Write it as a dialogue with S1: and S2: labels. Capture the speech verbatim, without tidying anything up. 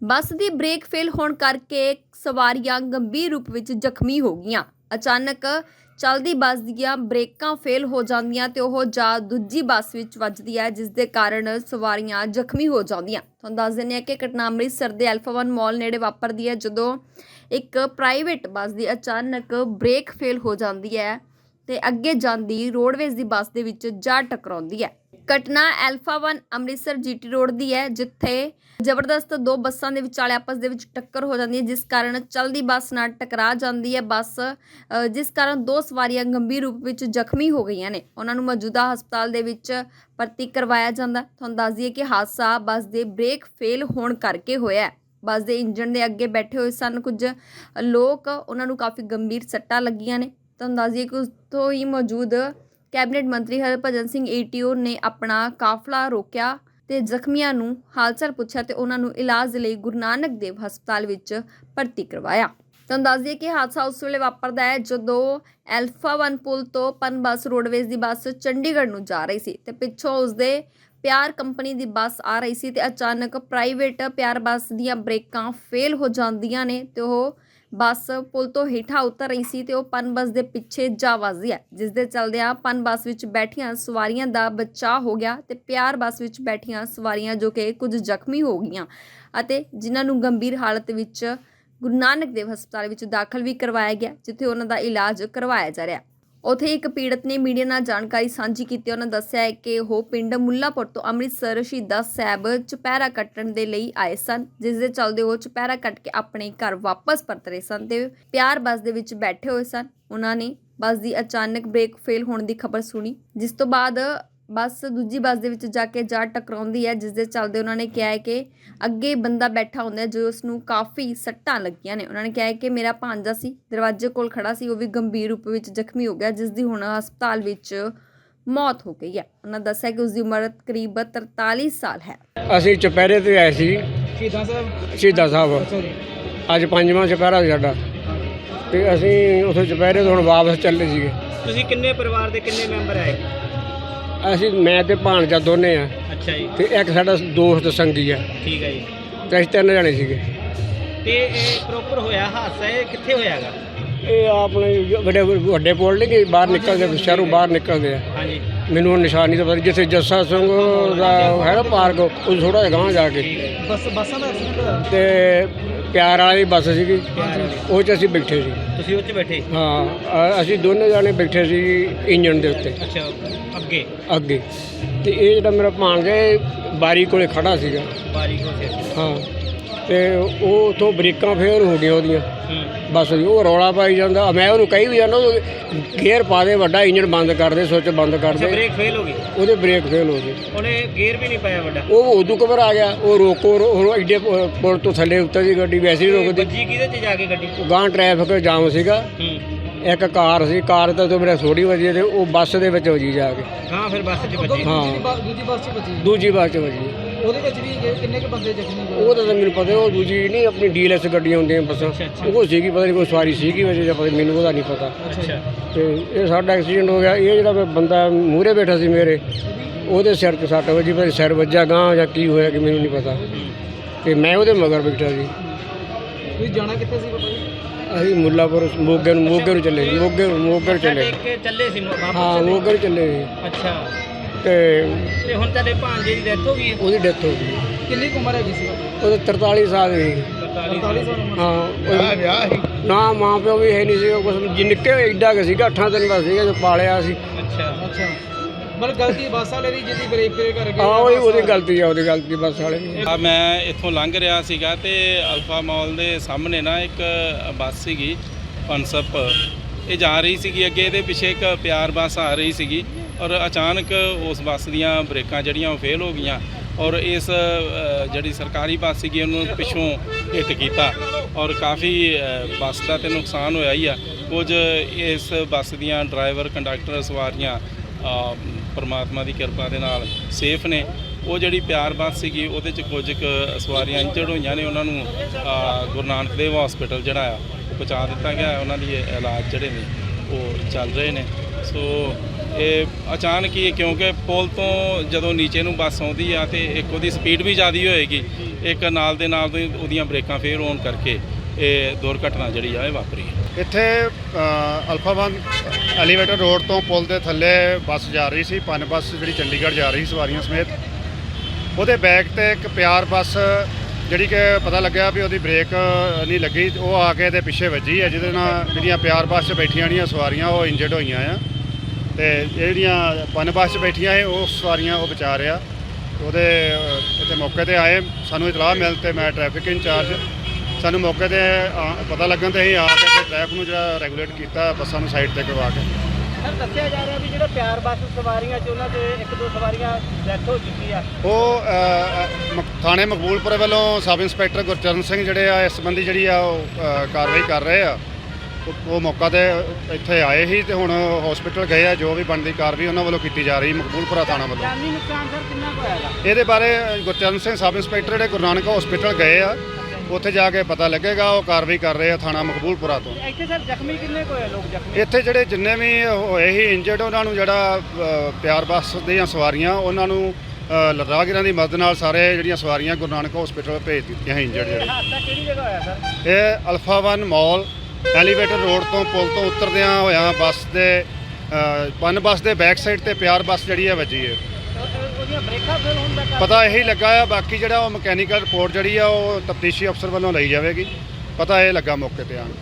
S1: ਬੱਸ ਦੀ brake fail ਹੋਣ ਕਰਕੇ ਸਵਾਰੀਆਂ ਗੰਭੀਰ ਰੂਪ ਵਿੱਚ ਜ਼ਖਮੀ ਹੋ ਗਈਆਂ। ਅਚਾਨਕ ਚੱਲਦੀ ਬੱਸ ਦੀਆਂ ਬ੍ਰੇਕਾਂ ਫੇਲ ਹੋ ਜਾਂਦੀਆਂ ਤੇ ਉਹ ਜਾ ਦੂਜੀ ਬੱਸ ਵਿੱਚ ਵੱਜਦੀ ਹੈ, ਜਿਸ ਦੇ ਕਾਰਨ ਸਵਾਰੀਆਂ ਜ਼ਖਮੀ ਹੋ ਜਾਂਦੀਆਂ। ਤੁਹਾਨੂੰ ਦੱਸ ਦਿੰਦੇ ਹਾਂ ਕਿ ਘਟਨਾ ਅੰਮ੍ਰਿਤਸਰ ਦੇ ਐਲਫਾ ਵਨ ਮਾਲ ਨੇੜੇ ਵਾਪਰਦੀ ਹੈ, ਜਦੋਂ ਇੱਕ ਪ੍ਰਾਈਵੇਟ ਬੱਸ ਦੀ ਅਚਾਨਕ ਬ੍ਰੇਕ ਫੇਲ ਹੋ ਜਾਂਦੀ ਹੈ ਤੇ ਅੱਗੇ ਜਾਂਦੀ ਰੋਡਵੇਜ਼ ਦੀ ਬੱਸ ਦੇ ਵਿੱਚ ਜਾ ਟਕਰਾਉਂਦੀ ਹੈ। ਘਟਨਾ Alpha One Amritsar GT road ਦੀ ਹੈ, ਜਿੱਥੇ ਜ਼ਬਰਦਸਤ ਦੋ ਬੱਸਾਂ ਦੇ ਵਿਚਾਲੇ ਆਪਸ ਦੇ ਵਿੱਚ ਟੱਕਰ ਹੋ ਜਾਂਦੀ ਹੈ, ਜਿਸ ਕਾਰਨ ਚਲਦੀ ਬੱਸ ਨਾਲ ਟਕਰਾ ਜਾਂਦੀ ਹੈ ਬੱਸ, ਜਿਸ ਕਾਰਨ ਦੋ ਸਵਾਰੀਆਂ ਗੰਭੀਰ ਰੂਪ ਵਿੱਚ ਜ਼ਖਮੀ ਹੋ ਗਈਆਂ ਨੇ। ਉਹਨਾਂ ਨੂੰ ਮੌਜੂਦਾ ਹਸਪਤਾਲ ਦੇ ਵਿੱਚ ਭਰਤੀ ਕਰਵਾਇਆ ਜਾਂਦਾ। ਤੁਹਾਨੂੰ ਦੱਸ ਦਈਏ ਕਿ ਹਾਦਸਾ ਬੱਸ ਦੇ ਬ੍ਰੇਕ ਫੇਲ ਹੋਣ ਕਰਕੇ ਹੋਇਆ। ਬੱਸ ਦੇ ਇੰਜਣ ਦੇ ਅੱਗੇ ਬੈਠੇ ਹੋਏ ਸਨ ਕੁਝ ਲੋਕ, ਉਹਨਾਂ ਨੂੰ ਕਾਫੀ ਗੰਭੀਰ ਸੱਟਾਂ ਲੱਗੀਆਂ ਨੇ। ਤੁਹਾਨੂੰ ਦੱਸ ਦਈਏ ਕਿ ਉੱਥੋਂ ਹੀ ਮੌਜੂਦ ਕੈਬਨਿਟ ਮੰਤਰੀ ਹਰਭਜਨ ਸਿੰਘ ਈਟੀਓ ਨੇ ਆਪਣਾ ਕਾਫਲਾ ਰੋਕਿਆ ਤੇ ਜ਼ਖਮੀਆਂ ਨੂੰ ਹਾਲ ਚਾਲ ਪੁੱਛਿਆ ਤੇ ਉਹਨਾਂ ਨੂੰ ਇਲਾਜ ਲਈ ਗੁਰੂ ਨਾਨਕ ਦੇਵ ਹਸਪਤਾਲ ਵਿੱਚ ਭਰਤੀ ਕਰਵਾਇਆ। ਤੁਹਾਨੂੰ ਦੱਸ ਦਈਏ ਕਿ ਹਾਦਸਾ ਉਸ ਵੇਲੇ ਵਾਪਰਦਾ ਹੈ ਜਦੋਂ ਐਲਫਾ ਵਨ ਪੁਲ ਤੋਂ ਪਨ ਬੱਸ ਰੋਡਵੇਜ਼ ਦੀ ਬੱਸ ਚੰਡੀਗੜ੍ਹ ਨੂੰ ਜਾ ਰਹੀ ਸੀ ਤੇ ਪਿੱਛੋਂ ਉਸਦੇ ਪਿਆਰ ਕੰਪਨੀ ਦੀ ਬੱਸ ਆ ਰਹੀ ਸੀ ਤੇ ਅਚਾਨਕ ਪ੍ਰਾਈਵੇਟ ਪਿਆਰ ਬੱਸ ਦੀਆਂ ਬ੍ਰੇਕਾਂ ਫੇਲ ਹੋ ਜਾਂਦੀਆਂ ਨੇ ਤੇ ਉਹ ਬੱਸ ਪੁਲ ਤੋਂ ਹੇਠਾਂ ਉਤਰ ਰਹੀ ਸੀ ਤੇ ਉਹ ਪਨ ਬੱਸ ਦੇ ਪਿੱਛੇ ਜਾ ਵੱਜਦੀ ਹੈ, ਜਿਸ ਦੇ ਚਲਦਿਆਂ ਪਨ ਬੱਸ ਵਿੱਚ ਬੈਠੀਆਂ ਸਵਾਰੀਆਂ ਦਾ ਬਚਾਅ ਹੋ ਗਿਆ ਤੇ ਪਿਆਰ ਬੱਸ ਵਿੱਚ ਬੈਠੀਆਂ ਸਵਾਰੀਆਂ ਜੋ ਕਿ ਕੁਝ ਜ਼ਖਮੀ ਹੋ ਗਈਆਂ ਅਤੇ ਜਿਨ੍ਹਾਂ ਨੂੰ ਗੰਭੀਰ ਹਾਲਤ ਵਿੱਚ ਗੁਰੂ ਨਾਨਕ ਦੇਵ ਹਸਪਤਾਲ ਵਿੱਚ ਦਾਖਲ ਵੀ ਕਰਵਾਇਆ ਗਿਆ, ਜਿੱਥੇ ਉਹਨਾਂ ਦਾ ਇਲਾਜ ਕਰਵਾਇਆ ਜਾ ਰਿਹਾ। ਉੱਥੇ ਇੱਕ ਪੀੜਤ ਨੇ ਮੀਡੀਆ ਨਾਲ ਜਾਣਕਾਰੀ ਸਾਂਝੀ ਕੀਤੀ। ਉਹਨਾਂ ਦੱਸਿਆ ਹੈ ਕਿ ਉਹ ਪਿੰਡ ਮੁੱਲਾਪੁਰ ਤੋਂ ਅੰਮ੍ਰਿਤਸਰ ਸ਼ਹੀਦਾਂ ਸਾਹਿਬ ਚੁਪਹਿਰਾ ਕੱਟਣ ਦੇ ਲਈ ਆਏ ਸਨ, ਜਿਸ ਦੇ ਚੱਲਦੇ ਉਹ ਚੁਪਹਿਰਾ ਕੱਟ ਕੇ ਆਪਣੇ ਘਰ ਵਾਪਸ ਪਰਤ ਰਹੇ ਸਨ ਤੇ ਪਿਆਰ ਬੱਸ ਦੇ ਵਿੱਚ ਬੈਠੇ ਹੋਏ ਸਨ। ਉਹਨਾਂ ਨੇ ਬੱਸ ਦੀ ਅਚਾਨਕ ਬ੍ਰੇਕ ਫੇਲ ਹੋਣ ਦੀ ਖਬਰ ਸੁਣੀ, ਜਿਸ ਤੋਂ ਬਾਅਦ ਬੱਸ ਦੂਜੀ ਬੱਸ ਦੇ ਵਿੱਚ ਜਾ ਕੇ ਜਾ ਟਕਰਾਉਂਦੀ ਹੈ, ਜਿਸ ਦੇ ਚੱਲਦੇ ਉਹਨਾਂ ਨੇ ਕਿਹਾ ਹੈ ਕਿ ਅੱਗੇ ਬੰਦਾ ਬੈਠਾ ਹੁੰਦਾ ਜੋ ਉਸ ਨੂੰ ਕਾਫੀ ਸੱਟਾਂ ਲੱਗੀਆਂ ਨੇ। ਉਹਨਾਂ ਨੇ ਕਿਹਾ ਹੈ ਕਿ ਮੇਰਾ ਭਾਂਜਾ ਸੀ, ਦਰਵਾਜ਼ੇ ਕੋਲ ਖੜਾ ਸੀ, ਉਹ ਵੀ ਗੰਭੀਰ ਰੂਪ ਵਿੱਚ ਜ਼ਖਮੀ ਹੋ ਗਿਆ, ਜਿਸ ਦੀ ਹੁਣ ਹਸਪਤਾਲ ਵਿੱਚ ਮੌਤ ਹੋ ਗਈ ਹੈ। ਉਹਨਾਂ ਦੱਸਿਆ ਕਿ ਉਸ ਦੀ ਉਮਰ ਕਰੀਬ ਤਰਤਾਲੀ ਸਾਲ ਹੈ।
S2: ਅਸੀਂ ਚੁਪਹਿਰੇ ਤੇ ਆਏ ਸੀ ਸ਼ਹੀਦਾਂ ਸਾਹਿਬ ਸ਼ਹੀਦਾਂ ਸਾਹਿਬ ਅੱਜ ਪੰਜਵਾਂ ਚੁਪਹਿਰਾ ਸਾਡਾ ਤੇ ਅਸੀਂ ਉੱਥੇ ਚੁਪਹਿਰੇ ਤੋਂ ਹੁਣ ਵਾਪਸ ਚੱਲੇ ਸੀਗੇ।
S3: ਤੁਸੀਂ ਕਿੰਨੇ ਪਰਿਵਾਰ ਦੇ ਕਿੰਨੇ ਮੈਂਬਰ ਆਏ?
S2: ਅਸੀਂ ਮੈਂ ਤੇ ਭਾਣਜਾ ਦੋਨੇ ਆ।
S3: ਅੱਛਾ ਜੀ।
S2: ਤੇ ਇੱਕ ਸਾਡਾ ਦੋਸਤ ਸੰਗੀ ਆ।
S3: ਠੀਕ ਹੈ ਜੀ।
S2: ਤੇ ਅਸੀਂ ਤਿੰਨ ਜਣੇ ਸੀਗੇ।
S3: ਤੇ ਇਹ ਪ੍ਰੋਪਰ ਹੋਇਆ ਹਾਦਸਾ ਇਹ ਕਿੱਥੇ ਹੋਇਆਗਾ?
S2: ਇਹ ਆਪਣੇ ਵੱਡੇ ਵੱਡੇ ਪੁਲ ਨਹੀਂ ਕਿ ਬਾਹਰ ਨਿਕਲਦੇ, ਸ਼ਹਿਰੋਂ ਬਾਹਰ ਨਿਕਲਦੇ ਆ।
S3: ਹਾਂਜੀ।
S2: ਮੈਨੂੰ ਨਿਸ਼ਾਨੀ ਤਾਂ ਪਤਾ ਜਿੱਥੇ ਜੱਸਾ ਸਿੰਘ ਦਾ ਹੈ ਨਾ ਪਾਰਕ, ਉਹ ਥੋੜਾ ਜਿਹਾ ਗਾਂਹ ਜਾ ਕੇ
S3: ਬੱਸ ਬੱਸਾਂ ਦਾ ਐਕਸੀਡੈਂਟ ਹੋਇਆ
S2: ਤੇ ਪਿਆਰ ਵਾਲੀ ਬੱਸ ਸੀਗੀ, ਉਹ 'ਚ ਅਸੀਂ ਬੈਠੇ ਸੀ।
S3: ਤੁਸੀਂ ਉਹ 'ਚ ਬੈਠੇ?
S2: ਹਾਂ, ਅ- ਅਸੀਂ ਦੋਨੇ ਜਾਣੇ ਬੈਠੇ ਸੀ ਇੰਜਣ ਦੇ ਉੱਤੇ।
S3: ਅੱਛਾ, ਅੱਗੇ
S2: ਅੱਗੇ ਤੇ ਇਹ ਜਿਹੜਾ ਮੇਰਾ ਭਾਣਜਾ ਇਹ ਬਾਰੀ ਕੋਲੇ ਖੜਾ ਸੀਗਾ।
S3: ਬਾਰੀ ਕੋਲ ਸੀ।
S2: ਹਾਂ, ਤੇ ਉਹ ਉੱਥੋਂ ਬ੍ਰੇਕਾਂ ਫੇਲ ਹੋ ਗਈਆਂ ਉਹਦੀਆਂ
S3: ਹੂੰ।
S2: ਬੱਸ ਦੀ। ਉਹ ਰੌਲਾ ਪਾਈ ਜਾਂਦਾ, ਮੈਂ ਉਹਨੂੰ ਕਹੀ ਵੀ ਜਾਂਦਾ ਗੇਅਰ ਪਾ ਦੇ, ਵੱਡਾ ਇੰਜਣ ਬੰਦ ਕਰ ਦੇ, ਸੁੱਚ ਬੰਦ ਕਰ ਦੇ।
S3: ਬ੍ਰੇਕ ਫੇਲ ਹੋ ਗਈ?
S2: ਉਹਦੇ ਬ੍ਰੇਕ ਫੇਲ ਹੋ ਗਏ।
S3: ਉਹਨੇ ਗੇਅਰ ਵੀ ਨਹੀਂ ਪਾਇਆ ਵੱਡਾ?
S2: ਉਹ ਉਦੋਂ ਘਬਰਾ ਗਿਆ, ਉਹ ਰੋਕੋ ਉਹ ਐਡੇ ਪੁਲ ਤੋਂ ਥੱਲੇ ਉੱਤਰ ਦੀ ਗੱਡੀ ਵੈਸੇ ਹੀ ਰੁਕਦੀ।
S3: ਵੱਜੀ ਕਿਹਦੇ 'ਚ ਜਾ ਕੇ ਗੱਡੀ?
S2: ਗਾਂਹ ਟ੍ਰੈਫਿਕ ਜਾਮ ਸੀਗਾ।
S3: ਹੂੰ।
S2: ਇੱਕ ਕਾਰ ਸੀ, ਕਾਰ ਤਾਂ ਤੋਂ ਮੇਰਾ ਥੋੜੀ ਵੱਜੀ ਤੇ ਉਹ ਬੱਸ ਦੇ ਵਿੱਚ ਵੱਜੀ ਜਾ ਕੇ।
S3: ਹਾਂ, ਫਿਰ ਬੱਸ 'ਚ ਵੱਜੀ?
S2: ਹਾਂ,
S3: ਦੂਜੀ ਬੱਸ 'ਚ ਵੱਜੀ?
S2: ਦੂਜੀ ਬੱਸ 'ਚ ਵੱਜੀ।
S3: ਉਹਦੇ ਵਿੱਚ ਵੀ ਕਿੰਨੇ ਕੁ ਬੰਦੇ ਜ਼ਖਮੀ ਹੋਏ?
S2: ਉਹ ਤਾਂ ਮੈਨੂੰ ਪਤਾ, ਉਹ ਦੂਜੀ ਨਹੀਂ ਆਪਣੀ ਡੀਐਲਐਸ ਗੱਡੀਆਂ ਹੁੰਦੀਆਂ ਬੱਸਾਂ, ਉਹ ਸੀਗੀ, ਪਤਾ ਨਹੀਂ ਕੋਈ ਸਵਾਰੀ ਸੀਗੀ ਵਜੇ ਜਾਂ ਪਤਾ ਮੈਨੂੰ ਉਹਦਾ ਨਹੀਂ ਪਤਾ।
S3: ਅੱਛਾ।
S2: ਤੇ ਇਹ ਸਾਡਾ ਐਕਸੀਡੈਂਟ ਹੋ ਗਿਆ। ਇਹ ਜਿਹੜਾ ਬੰਦਾ ਮੂਹਰੇ ਬੈਠਾ ਸੀ ਮੇਰੇ, ਉਹਦੇ ਸਿਰ 'ਤੇ ਸੱਟ ਵੱਜੀ, ਪਰ ਸਿਰ ਵੱਜਾ ਗਾਂਹ ਜਾਂ ਕੀ ਹੋਇਆ ਕਿ ਮੈਨੂੰ ਨਹੀਂ ਪਤਾ। ਤੇ ਮੈਂ ਉਹਦੇ ਮਗਰ ਬੈਠਾ ਸੀ।
S3: ਤੁਸੀਂ ਜਾਣਾ ਕਿੱਥੇ ਸੀ ਬਾਬਾ ਜੀ?
S2: ਅਸੀਂ ਮੁੱਲਾਪੁਰ ਮੋਗੇ ਨੂੰ ਮੋਗੇ ਨੂੰ ਚੱਲੇ ਸੀ। ਮੋਗੇ ਮੋਗੇ ਨੂੰ ਚੱਲੇ
S3: ਚੱਲੇ ਸੀ ਵਾਪਸ?
S2: ਹਾਂ, ਮੋਗੇ ਨੂੰ ਚੱਲੇ ਸੀ।
S3: ਅੱਛਾ।
S2: ਤੇ
S3: ਤੇ ਹੁਣ ਤੁਹਾਡੇ ਭਾਂਜੇ ਦੀ ਡੈਥ ਹੋ ਗਈ ਹੈ?
S2: ਉਹਦੀ ਡੈਥ ਹੋ ਗਈ।
S3: ਕਿੰਨੀ ਕੁ ਉਮਰ ਹੈਗੀ ਸੀ?
S2: ਉਹਦੇ ਤਰਤਾਲੀ ਸਾਲ ਸੀ।
S3: ਤਰਤਾਲੀ ਸਾਲ ਉਮਰ?
S2: ਹਾਂ, ਵਿਆਹ ਸੀ ਨਾ, ਮਾਂ ਪਿਓ ਵੀ ਹੈ ਨਹੀਂ ਸੀ ਕੁਛ, ਜੀ ਨਿੱਕੇ ਐਡਾ ਕੁ ਸੀਗਾ, ਅੱਠਾਂ ਦਿਨ ਦਾ ਸੀਗਾ ਜੋ ਪਾਲਿਆ ਸੀ।
S3: ਅੱਛਾ ਅੱਛਾ। ਮਤਲਬ ਗਲਤੀ ਬੱਸ ਵਾਲੇ ਦੀ, ਜਿਹਦੀ ਬ੍ਰੇਕ ਫੇਲ ਕਰ ਗਏ?
S2: ਹਾਂ, ਉਹਦੀ ਉਹਦੀ ਗਲਤੀ ਆ, ਉਹਦੀ ਗਲਤੀ ਬੱਸ ਵਾਲੇ ਦੀ।
S4: ਆ ਮੈਂ ਇੱਥੋਂ ਲੰਘ ਰਿਹਾ ਸੀਗਾ ਤੇ ਅਲਫਾ ਮਾਲ ਦੇ ਸਾਹਮਣੇ ਨਾ ਇੱਕ ਬੱਸ ਸੀਗੀ ਪਨਸਪ, ਇਹ ਜਾ ਰਹੀ ਸੀਗੀ ਅੱਗੇ, ਇਹਦੇ ਪਿੱਛੇ ਇੱਕ ਪਿਆਰ ਬੱਸ ਆ ਰਹੀ ਸੀਗੀ ਔਰ ਅਚਾਨਕ ਉਸ ਬੱਸ ਦੀਆਂ ਬ੍ਰੇਕਾਂ ਜਿਹੜੀਆਂ ਉਹ ਫੇਲ ਹੋ ਗਈਆਂ ਔਰ ਇਸ ਜਿਹੜੀ ਸਰਕਾਰੀ ਬੱਸ ਸੀਗੀ ਉਹਨੂੰ ਪਿੱਛੋਂ ਹਿੱਟ ਕੀਤਾ ਔਰ ਕਾਫੀ ਬੱਸ ਦਾ ਤੇ ਨੁਕਸਾਨ ਹੋਇਆ ਹੀ ਆ। ਕੁਝ ਇਸ ਬੱਸ ਦੀਆਂ ਡਰਾਈਵਰ, ਕੰਡਕਟਰ, ਸਵਾਰੀਆਂ ਪਰਮਾਤਮਾ ਦੀ ਕਿਰਪਾ ਦੇ ਨਾਲ ਸੇਫ ਨੇ। ਉਹ ਜਿਹੜੀ ਪਿਆਰ ਬੱਸ ਸੀਗੀ ਉਹਦੇ 'ਚ ਕੁਝ ਕੁ ਸਵਾਰੀਆਂ ਇੰਜਰਡ ਹੋਈਆਂ ਨੇ, ਉਹਨਾਂ ਨੂੰ ਗੁਰੂ ਨਾਨਕ ਦੇਵ ਹਸਪੀਟਲ ਜਿਹੜਾ ਆ ਉਹ ਪਹੁੰਚਾ ਦਿੱਤਾ ਗਿਆ। ਉਹਨਾਂ ਦੀ ਇਲਾਜ ਜਿਹੜੇ ਨੇ ਉਹ ਚੱਲ ਰਹੇ ਨੇ। ਸੋ ਇਹ ਅਚਾਨਕ ਹੀ ਕਿਉਂਕਿ ਪੁਲ ਤੋਂ ਜਦੋਂ ਨੀਚੇ ਨੂੰ ਬੱਸ ਆਉਂਦੀ ਆ ਤੇ ਇੱਕ ਉਹਦੀ ਸਪੀਡ ਵੀ ਜ਼ਿਆਦਾ ਹੋਏਗੀ, ਇੱਕ ਨਾਲ ਦੇ ਨਾਲ ਦੀ ਉਹਦੀਆਂ ਬ੍ਰੇਕਾਂ ਫੇਲ ਹੋਣ ਕਰਕੇ ਇਹ ਦੁਰਘਟਨਾ ਜਿਹੜੀ ਆ ਇਹ ਵਾਪਰੀ ਹੈ।
S5: ਇੱਥੇ ਅ, ਅਲਫਾ ਵਨ ਐਲੀਵੇਟਰ ਰੋਡ ਤੋਂ ਪੁਲ ਦੇ ਥੱਲੇ ਬੱਸ ਜਾ ਰਹੀ ਸੀ, ਪਨ ਬੱਸ ਜਿਹੜੀ ਚੰਡੀਗੜ੍ਹ ਜਾ ਰਹੀ ਸਵਾਰੀਆਂ ਸਮੇਤ। ਉਹਦੇ ਬੈਕ ਤੇ ਇੱਕ ਪਿਆਰ ਬੱਸ ਜਿਹੜੀ ਕਿ ਪਤਾ ਲੱਗਿਆ ਵੀ ਉਹਦੀ ਬ੍ਰੇਕ ਨਹੀਂ ਲੱਗੀ, ਉਹ ਆ ਕੇ ਇਹਦੇ ਪਿੱਛੇ ਵੱਜੀ ਹੈ, ਜਿਹਦੇ ਨਾਲ ਜਿਹੜੀਆਂ ਪਿਆਰ ਬੱਸ 'ਚ ਬੈਠੀਆਂ ਜਿਹੜੀਆਂ ਸਵਾਰੀਆਂ ਉਹ ਇੰਜਰਡ ਹੋਈਆਂ ਆ, ਤੇ ਜਿਹੜੀਆਂ ਪਨ ਬੱਸ 'ਚ ਬੈਠੀਆਂ ਸੀ ਉਹ ਸਵਾਰੀਆਂ ਉਹ ਬਚਾ ਰਿਹਾ। ਉਹਦੇ ਅ, ਇੱਥੇ ਮੌਕੇ ਤੇ ਆਏ, ਸਾਨੂੰ ਇਤਲਾਹ ਮਿਲ ਤੇ ਮੈਂ ਟ੍ਰੈਫਿਕ ਇੰਚਾਰਜ, ਸਾਨੂੰ ਮੌਕੇ ਤੇ ਆ- ਪਤਾ ਲੱਗਣ ਤੇ ਅਸੀਂ ਆ ਕੇ ਟ੍ਰੈਫਿਕ ਨੂੰ ਜਿਹੜਾ ਰੈਗੂਲੇਟ ਕੀਤਾ, ਬੱਸਾਂ ਨੂੰ ਸਾਈਡ ਤੇ ਕਰਵਾ ਕੇ।
S3: ਸਰ ਦੱਸਿਆ ਜਾ ਰਿਹਾ ਵੀ ਜਿਹੜਾ ਪਿਆਰ ਬੱਸ ਸਵਾਰੀਆਂ ਚ ਉਹਨਾਂ ਦੇ ਇੱਕ ਦੋ ਸਵਾਰੀਆਂ ਡੈਥ ਹੋ ਚੁੱਕੀ ਆ।
S5: ਉਹ ਅ, ਅ, ਮ- ਥਾਣੇ ਮਕਬੂਲਪੁਰ ਵੱਲੋਂ ਸਬ ਇੰਸਪੈਕਟਰ ਗੁਰਚਰਨ ਸਿੰਘ ਜਿਹੜੇ ਆ ਇਸ ਸੰਬੰਧੀ ਜਿਹੜੀ ਆ ਉਹ ਅ, ਕਾਰਵਾਈ ਕਰ ਰਹੇ ਆ। ਉਹ- ਉਹ ਮੌਕਾ ਤੇ ਇੱਥੇ ਆਏ ਸੀ ਤੇ ਹੁਣ ਹਸਪੀਟਲ ਗਏ ਆ, ਜੋ ਵੀ ਬਣਦੀ ਕਾਰਵਾਈ ਉਹਨਾਂ ਵੱਲੋਂ ਕੀਤੀ ਜਾ ਰਹੀ ਮਕਬੂਲਪੁਰਾ ਥਾਣਾ ਵੱਲੋਂ।
S3: ਜਾਨੀ ਨੁਕਸਾਨ ਸਰ ਕਿੰਨਾ ਕੁ ਹੋਇਆ ਗਾ?
S5: ਇਹਦੇ ਬਾਰੇ ਗੁਰਚਰਨ ਸਿੰਘ ਸਬ ਇੰਸਪੈਕਟਰ ਜਿਹੜੇ ਗੁਰੂ ਨਾਨਕ ਹਸਪੀਟਲ ਗਏ ਆ, ਉੱਥੇ ਜਾ ਕੇ ਪਤਾ ਲੱਗੇਗਾ। ਉਹ ਕਾਰਵਾਈ ਕਰ ਰਹੇ ਆ ਥਾਣਾ ਮਕਬੂਲਪੁਰਾ ਤੋਂ।
S3: ਇੱਥੇ ਸਰ ਜ਼ਖਮੀ ਕਿੰਨੇ ਕੁ ਹੋਏ ਲੋਕ ਜ਼ਖਮੀ?
S5: ਇੱਥੇ ਜਿਹੜੇ ਜਿੰਨੇ ਵੀ ਹੋਏ ਸੀ ਇੰਜਰਡ, ਉਹਨਾਂ ਨੂੰ ਜਿਹੜਾ ਅ, ਪਿਆਰ ਬੱਸ ਦੀਆਂ ਸਵਾਰੀਆਂ ਉਹਨਾਂ ਨੂੰ ਅ, ਰਾਹਗੀਰਾਂ ਦੀ ਮਦਦ ਨਾਲ ਸਾਰੇ ਜਿਹੜੀਆਂ ਸਵਾਰੀਆਂ ਗੁਰੂ ਨਾਨਕ ਹਸਪੀਟਲ ਭੇਜ ਦਿੱਤੀਆਂ ਸੀ ਇੰਜਰਡ ਜਿਹੜੇ।
S3: ਹਾਦਸਾ ਕਿਹੜੀ ਜਗ੍ਹਾ ਹੋਇਆ ਸਰ?
S5: ਇਹ Alpha One mall elevator road ਤੋਂ ਪੁਲ ਤੋਂ ਉਤਰਦਿਆਂ ਹੋਇਆਂ ਬੱਸ ਦੇ ਅ, ਪਨ ਬੱਸ ਦੇ ਬੈਕ ਸਾਈਡ ਤੇ ਪਿਆਰ ਬੱਸ ਜਿਹੜੀ ਹੈ ਵੱਜੀ ਹੈ।
S3: ਉਹ- ਉਹ- ਉਹਦੀਆਂ ਬ੍ਰੇਕਾਂ ਫੇਲ ਹੋਣ ਦਾ ਕਾਰਨ?
S5: ਪਤਾ ਇਹੀ ਲੱਗਾ ਆ, ਬਾਕੀ ਜਿਹੜਾ ਉਹ ਮਕੈਨੀਕਲ ਰਿਪੋਰਟ ਜਿਹੜੀ ਆ ਉਹ ਤਫਤੀਸ਼ੀ ਅਫਸਰ ਵੱਲੋਂ ਲਈ ਜਾਵੇਗੀ। ਪਤਾ ਇਹ ਲੱਗਾ ਮੌਕੇ ਤੇ ਆਣ